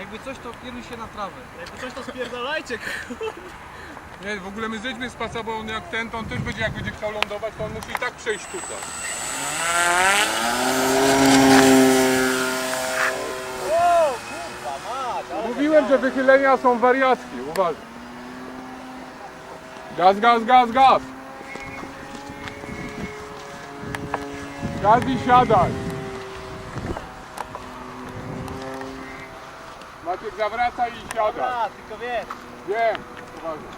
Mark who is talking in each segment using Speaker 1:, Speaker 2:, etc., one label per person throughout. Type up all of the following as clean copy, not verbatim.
Speaker 1: Jakby coś, to kieruj się na trawę.
Speaker 2: Jakby coś, to spierdalajcie.
Speaker 3: Nie, w ogóle my zejdźmy z pasa, bo on jak ten, to on też będzie, jak będzie chciał lądować, to on musi i tak przejść tutaj.
Speaker 2: O, kurwa mać, ale...
Speaker 3: Mówiłem, że wychylenia są wariackie, uważaj. Gaz, gaz, gaz, gaz. Gaz i siadaj. Maciek, zawracaj i siadaj.
Speaker 2: Dobra, tylko wiesz.
Speaker 3: Wiem, uważaj.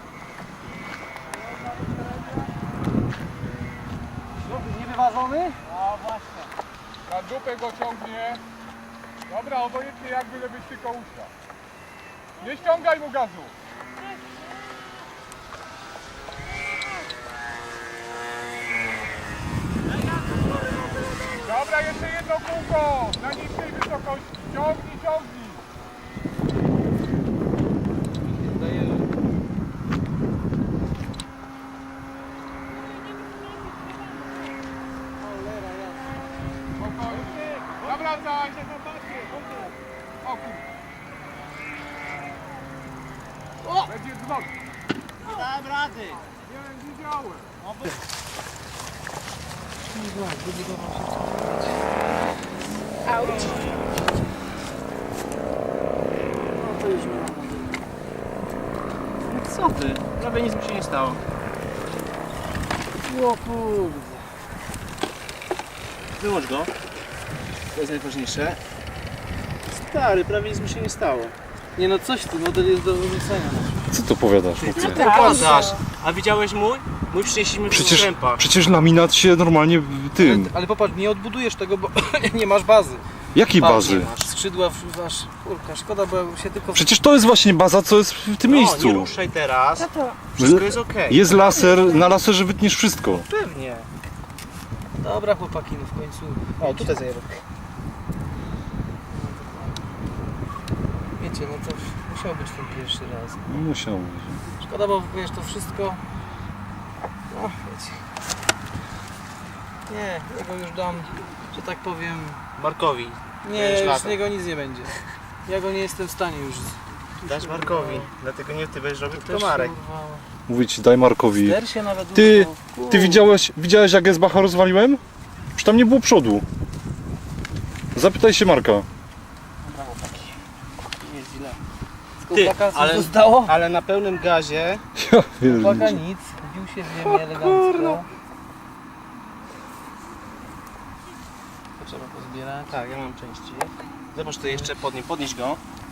Speaker 1: Niewyważony?
Speaker 2: No właśnie.
Speaker 3: Na dupę go ciągnie. Dobra, obojętnie jak byle byś tylko usiadł. Nie ściągaj mu gazu. Dobra, jeszcze jedno kółko. Na niższej wysokości. Ciągnij, ciągnij. Spokojnie. Zawracaj. O kurwa. Będzie dzwon.
Speaker 2: Dałem rady.
Speaker 3: Nie widziałem.
Speaker 2: Co ty? Prawie nic mi się nie stało.
Speaker 1: O kurde.
Speaker 2: Wyłącz go. To jest najważniejsze. Stary, prawie nic mi się nie stało.
Speaker 1: Nie no coś ty, model jest do wyrzucenia.
Speaker 4: Co to powiadasz?
Speaker 2: Co ty gadasz? A widziałeś mój? Mój przynieśliśmy w strzępach.
Speaker 4: Przecież laminat się normalnie tym.
Speaker 1: Ale popatrz, nie odbudujesz tego, bo nie masz bazy.
Speaker 4: Jakiej
Speaker 1: Patrz,
Speaker 4: bazy?
Speaker 1: nie masz. Skrzydła masz, kurka, szkoda, bo się tylko...
Speaker 4: Przecież to jest właśnie baza, co jest w tym
Speaker 2: No,
Speaker 4: miejscu.
Speaker 2: nie ruszaj teraz. Wszystko jest okej.
Speaker 4: Jest laser, na laserze wytniesz wszystko.
Speaker 2: Pewnie.
Speaker 1: Dobra chłopaki, no w końcu...
Speaker 2: O, tutaj zajebę.
Speaker 1: Wiecie, no to musiał być ten pierwszy raz.
Speaker 4: Musiał być.
Speaker 1: Szkoda, bo wiesz, to wszystko... No, wiecie... Nie, ja go już dam, że tak powiem...
Speaker 2: Markowi.
Speaker 1: Nie,
Speaker 2: Będziesz
Speaker 1: już z
Speaker 2: latał.
Speaker 1: niego nic nie będzie. Ja go nie jestem w stanie już...
Speaker 2: Dasz Markowi. Dlatego nie ty będziesz robił,
Speaker 1: Też
Speaker 2: tylko Marek.
Speaker 1: kurwa...
Speaker 4: Mówię ci, daj Markowi.
Speaker 1: Ster się nawet
Speaker 4: Ty,
Speaker 1: używał.
Speaker 4: ty
Speaker 1: Kurde.
Speaker 4: widziałeś jak S-Bacha rozwaliłem? Przecież tam nie było przodu. Zapytaj się Marka.
Speaker 1: Dobra, chłopaki. Nie jest źle. Z
Speaker 2: Ty,
Speaker 1: chłopaka coś
Speaker 2: ale-
Speaker 1: zostało?
Speaker 2: Ale na pełnym gazie.
Speaker 4: Ja
Speaker 1: Chłopaka
Speaker 4: pierdzielę.
Speaker 1: nic, wbił się w ziemię elegancko. To trzeba pozbierać.
Speaker 2: Tak, ja mam części. Zobacz, tu jeszcze podnieś go.